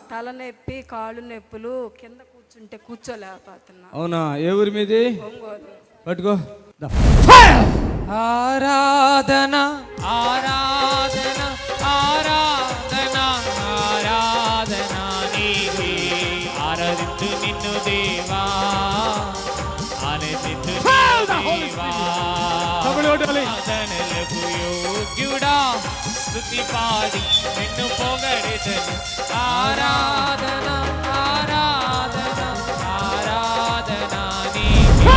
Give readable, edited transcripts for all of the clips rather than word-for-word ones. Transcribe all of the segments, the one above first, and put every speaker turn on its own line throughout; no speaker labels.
తలనొప్పి, కాళ్ళు నొప్పులు, కింద కూర్చుంటే కూర్చోలేకపోతున్నా.
అవునా? ఏ ఊరి మీది?
ఒంగోలు.
పట్టుకో.
ఆరాధన ఆరాధన ఆరాధన ఆరాధన నీవే, ఆరాధించు నిన్ను దేవా, ఆరాధించు దేవా, ఆరాధనలకు యోగ్యుడా, స్తుతి పాడి నిన్ను పొగడెదను. ఆరాధన ఆరాధన ఆరాధన నీవే,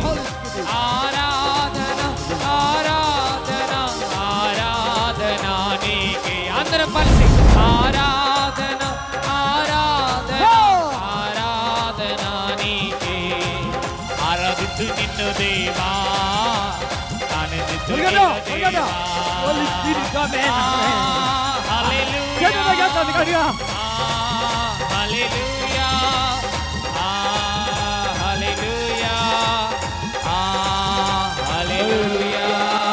ఆరాధన ఆరాధన ఆరాధన నీకే. అందరం కలిసి ఆరాధన ఆరాధన ఆరాధన నీకే, ఆరాధించు నిన్ను దేవా, ఆనందించు నిన్ను దేవా. హల్లెలూయా హల్లెలూయా హల్లెలూయా హల్లెలూయా హల్లెలూయా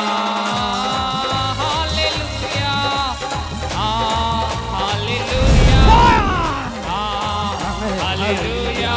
హల్లెలూయా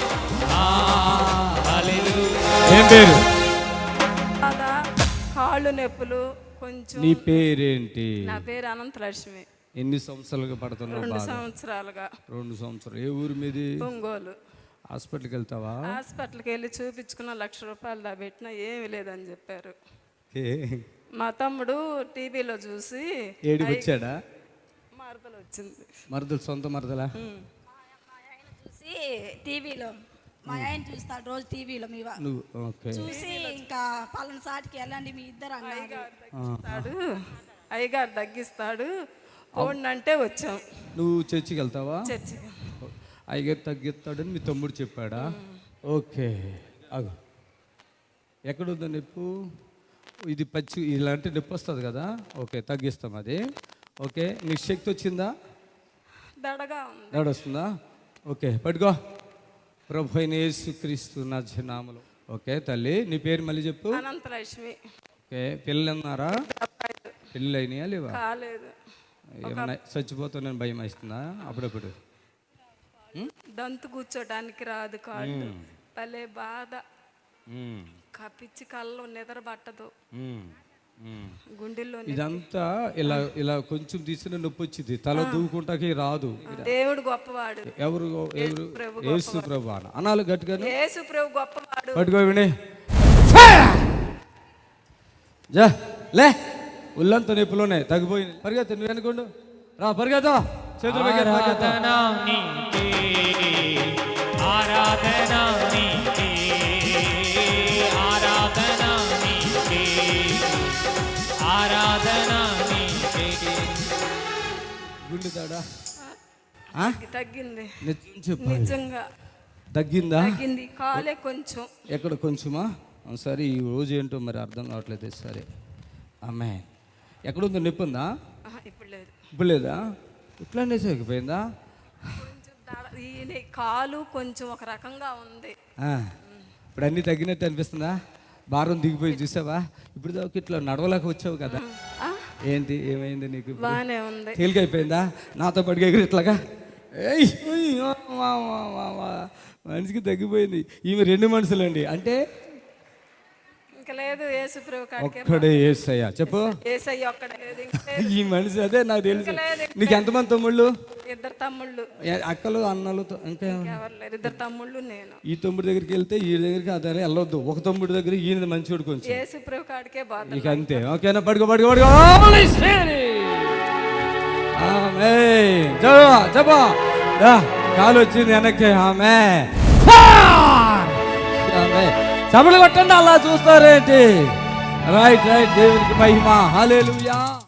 హల్లెలూయా.
ఏం పేరు?
బాధ, కాళ్ళు నొప్పులు కొంచెం.
నీ పేరేంటి?
నా పేరు అనంతలక్ష్మి.
ఎన్ని సంవత్సరాలుగా పడుతున్నావు?
2 సంవత్సరాలుగా.
2 సంవత్సరాలు. ఏ ఊరు మీది?
ఒంగోలు.
హాస్పిటల్కి వెళ్తావా?
హాస్పిటల్కి వెళ్ళి చూపించుకున్న, 1,00,000 రూపాయలు దా పెట్టినా ఏమి లేదని చెప్పారు. మా తమ్ముడు టీవీలో చూసి
ఏడికి వచ్చాడా?
మరదలు వచ్చింది.
మరదలు? సొంత మరదలా?
చూసి టీవీలో మా ఆయన చూస్తాడు రోజు టీవీలో. మీ
నువ్వు ఓకే.
చూసి ఇంకా పలానా సాటికి వెళ్ళండి మీ ఇద్దరు
అన్నారు. అయ్యగారు తగ్గిస్తాడు పోండి అంటే వచ్చాం.
నువ్వు చర్చికి వెళ్తావా?
చర్చికి.
అయ్యగారు తగ్గిస్తాడని మీ తమ్ముడు చెప్పాడా? ఓకే. అగు ఎక్కడుందో నొప్పు? ఇది పచ్చి ఇలాంటి నొప్పి వస్తుంది కదా. ఓకే, తగ్గిస్తాం అది. ఓకే, నీకు శక్తి వచ్చిందా?
దడగా ఉంది.
దడ వస్తుందా? ఓకే, పట్టుకో. ప్రభు అయిన యేసుక్రీస్తు నామములో. ఓకే తల్లి, నీ పేరు మళ్ళీ చెప్పు.
అనంతలక్ష్మి.
ఓకే, పిల్లలు ఉన్నారా? పెళ్ళి అయినాయా లేవా?
కాలేదు.
ఏమన్నా చచ్చిపోతానని భయం వేస్తుందా అప్పుడప్పుడు?
దంతు కూర్చోడానికి రాదు, కాళ్ళు భలే బాధ, కప్పిచ్చి కళ్ళు నిద్ర పట్టదు, గుండెల్లో.
ఇదంతా ఇలా ఇలా కొంచెం తీసిన నొప్పి వచ్చింది, తల దూకుంటాకి రాదు.
దేవుడు గొప్పవాడు.
ఎవరు? యేసు ప్రభు అనాలి గట్టిగా.
యేసు ప్రభు గొప్పవాడు.
పట్టుకో విని జా లే. ఉల్లంత నొప్పులోనే తగ్గిపోయింది. పరిగెత్త, నువ్వు అనుకోండు రా, పరిగెత్త. చేతులు
ఆరాధన నీకే, ఆరాధన నీకే, ఆరాధన నీకే, ఆరాధన నీకే.
గుండె తాడా
తగ్గింది.
చెప్పు,
నిజంగా
తగ్గిందా?
తగ్గింది. కాలే కొంచెం.
ఎక్కడ కొంచెమా? సరే, ఈ రోజు ఏంటో మరి అర్థం కావట్లేదు. సరే అమ్మాయి, ఎక్కడుందో నొప్పి ఉందా?
ఇప్పుడు లేదు.
ఇప్పుడు లేదా? ఇట్లానే తగ్గిపోయిందా?
కాలు కొంచెం ఒక రకంగా ఉంది.
ఇప్పుడు అన్నీ తగ్గినట్టు అనిపిస్తుందా? భారం దిగిపోయి చూసావా? ఇప్పుడు దాకా ఇట్లా నడవలేక వచ్చావు కదా. ఏంటి ఏమైంది నీకు?
బాగానే ఉంది.
తేలికైపోయిందా? నాతో పడిగా ఇట్లాగా మనిషికి తగ్గిపోయింది. ఈమె 2 మనుషులండి. అంటే
ఇంకా లేదు.
ఒక్కడే యేసయ్య. చెప్పు. ఈ మనిషి అదే నాకు తెలుసు. నీకు ఎంతమంది తమ్ముళ్ళు?
2 తమ్ముళ్ళు.
అక్కలు అన్నలు ఇంకా
2 తమ్ముళ్ళు, నేను.
ఈ తమ్ముడి దగ్గరికి వెళ్తే ఈ దగ్గరికి అదే వెళ్ళొద్దు. ఒక తమ్ముడి దగ్గర ఈయన మంచివాడు కొంచెం.
యేసుప్రభు కాడికే బాధ.
ఇక అంతే. ఓకేనా? పడుకో పడుకో పడుకో. చెప్పా కాలు వచ్చింది వెనక్కి. ఆమె సభలు కొట్టండి. అలా చూస్తారేంటి? Right right. దేవునికి మహిమ. హల్లెలూయా.